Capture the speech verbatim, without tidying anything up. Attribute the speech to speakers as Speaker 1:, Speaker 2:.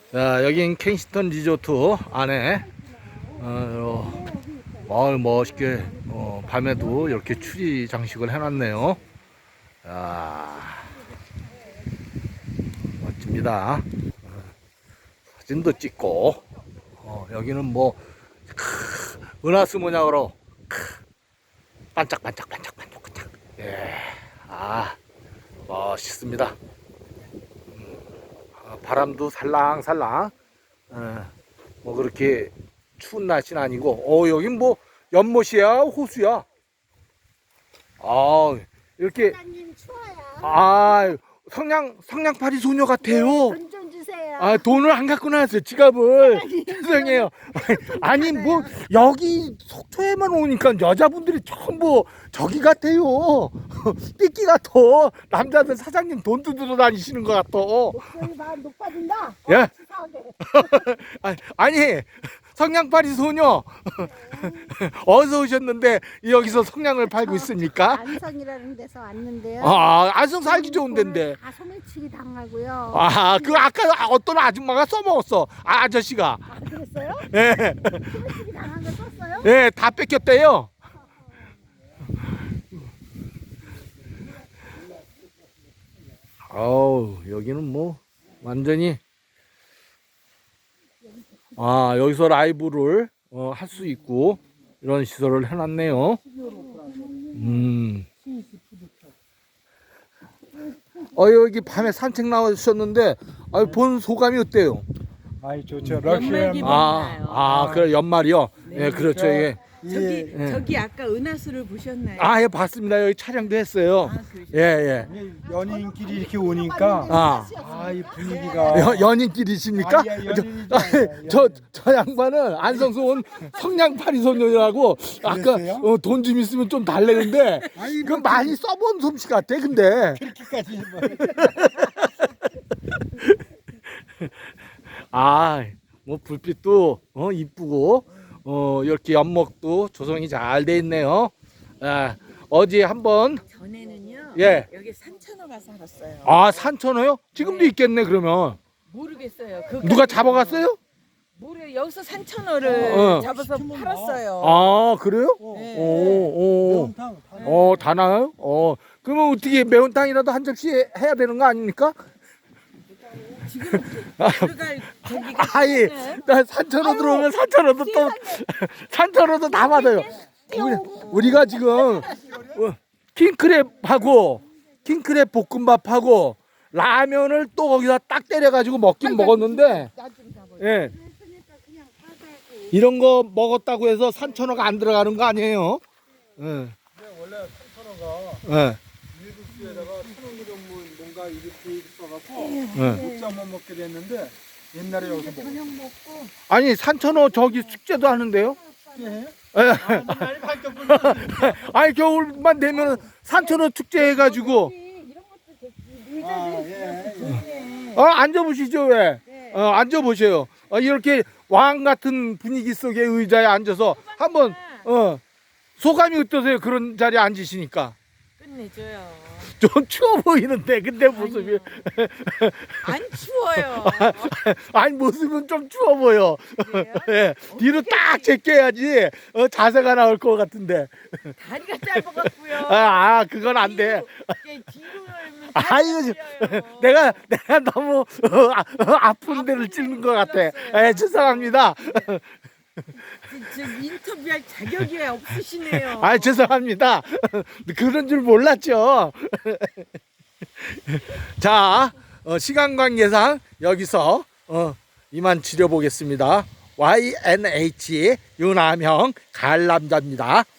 Speaker 1: 자, 여긴 켄싱턴 리조트 안에 어, 마을 멋있게 어, 밤에도 이렇게 추리 장식을 해놨네요. 자, 멋집니다. 어, 사진도 찍고 어, 여기는 뭐 크, 은하수 모양으로 크, 반짝반짝 반짝반짝 반짝. 예, 아 멋있습니다. 바람도 살랑살랑. 어, 뭐 그렇게 추운 날씨는 아니고, 어 여긴 뭐 연못이야 호수야. 아 이렇게
Speaker 2: 사장님 추워요.
Speaker 1: 아 성냥 성냥팔이 소녀 같아요.
Speaker 2: 돈 좀 주세요.
Speaker 1: 아 돈을 안 갖고 나왔어요. 지갑을. 죄송해요. 아니 뭐 여기 속초에만 오니까 여자분들이 전부 저기 같아요. 삐끼 같아. 남자들 사장님 돈 뜯으러 다니시는 것 같아.
Speaker 2: 목소리 봐 높아진다.
Speaker 1: 예?
Speaker 2: 이상하게.
Speaker 1: 아니 성냥팔이 소녀 어디서 오셨는데 여기서 성냥을 팔고 있습니까?
Speaker 2: 안성이라는 데서 왔는데요.
Speaker 1: 아 안성 살기 좋은 데인데.
Speaker 2: 다 소매치기 당하고요.
Speaker 1: 아 그 아까 어떤 아줌마가 써먹었어. 아, 아저씨가.
Speaker 2: 아, 그랬어요?
Speaker 1: 예,
Speaker 2: 소매치기 당한 거 썼어요?
Speaker 1: 예, 다 뺏겼대요. 어우 여기는 뭐 완전히 아 여기서 라이브를 어, 할 수 있고 이런 시설을 해놨네요. 음. 어 여기 밤에 산책 나오셨는데 아, 본 소감이 어때요?
Speaker 3: 아이 좋죠.
Speaker 4: 연말기
Speaker 3: 러시아
Speaker 1: 아, 아 그래 연말이요.
Speaker 4: 네.
Speaker 1: 예, 그렇죠. 예.
Speaker 4: 저기
Speaker 1: 예.
Speaker 4: 저기 아까 은하수를 보셨나요?
Speaker 1: 아, 예, 봤습니다. 여기 촬영도 했어요.
Speaker 4: 아, 그러죠.
Speaker 1: 예, 예.
Speaker 3: 연인끼리 이렇게 오니까
Speaker 1: 아,
Speaker 3: 아 이 분위기가
Speaker 1: 여, 연인끼리십니까?
Speaker 3: 아, 예, 연인이죠.
Speaker 1: 저,
Speaker 3: 예,
Speaker 1: 저, 저 양반은 안성수 온 성냥팔이 소년이라고 아까
Speaker 3: 그랬어요?
Speaker 1: 어, 돈 좀 있으면 좀 달래는데
Speaker 3: 아이,
Speaker 1: 그 많이 써본 솜씨 같아. 근데
Speaker 3: 그렇게까지 뭐.
Speaker 1: 아, 뭐 불빛도 어 이쁘고 어 이렇게 연목도 조성이 잘 돼 있네요. 아, 어제 한번
Speaker 4: 전에는요.
Speaker 1: 예.
Speaker 4: 여기 산천어가 살았어요.
Speaker 1: 아 산천어요? 지금도
Speaker 4: 네.
Speaker 1: 있겠네 그러면.
Speaker 4: 모르겠어요. 그
Speaker 1: 누가 잡아갔어요?
Speaker 4: 모르 여기서 산천어를
Speaker 1: 어.
Speaker 4: 잡아서 팔았어요.
Speaker 1: 아 그래요?
Speaker 4: 네.
Speaker 1: 오, 오.
Speaker 3: 매운탕 다
Speaker 1: 어, 다 나요? 어, 그러면 어떻게 매운탕이라도 한 접시 해야 되는 거 아닙니까?
Speaker 4: 지금 들어갈 저기가
Speaker 1: 아이,
Speaker 4: 있는
Speaker 1: 나 산천어 들어오면 산천어도 또, 산천어도 다 받아요. 우리, 우리가 지금, 어, 킹크랩하고, 킹크랩 볶음밥하고, 라면을 또 거기다 딱 때려가지고 먹긴 먹었는데, 예. 이런 거 먹었다고 해서 산천어가 안 들어가는 거 아니에요? 예.
Speaker 3: 원래 산천어가
Speaker 1: 예.
Speaker 3: 밀국수에다가 천원그램 뭔가 이렇게 써갖고
Speaker 1: 예.
Speaker 3: 국자 못 먹게 됐는데 옛날에 여기서 먹었어요.
Speaker 1: 아니 산천어 저기 숙제도 하는데요?
Speaker 3: 예?
Speaker 1: 예.
Speaker 3: 많이 바뀌었군요.
Speaker 1: 아니 겨울만 되면 산천어 축제 해가지고
Speaker 3: 아, 예, 예.
Speaker 1: 어 앉아보시죠 왜? 어 앉아보세요. 어, 이렇게 왕 같은 분위기 속의 의자에 앉아서 한번 어 소감이 어떠세요? 그런 자리에 앉으시니까
Speaker 4: 끝내줘요.
Speaker 1: 좀 추워 보이는데 근데 모습이
Speaker 4: 안 추워요.
Speaker 1: 아니 모습은 좀 추워 보여.
Speaker 4: 그래요?
Speaker 1: 예, 뒤로 딱 제껴야지 어, 자세가 나올 것 같은데.
Speaker 4: 다리가 짧아갖고요.
Speaker 1: 아, 아 그건 안 돼.
Speaker 4: 이게 뒤로 열면
Speaker 1: 아 이거
Speaker 4: 잘려요.
Speaker 1: 내가 내가 너무 어, 아, 어, 아픈 데를 찔는 것 같아. 예, 죄송합니다.
Speaker 4: 지금 인터뷰할 자격이 없으시네요.
Speaker 1: 아 죄송합니다. 그런 줄 몰랐죠. 자 어, 시간 관계상 여기서 어, 이만 지려보겠습니다. 와이엔에이치 윤암형 가을남자입니다.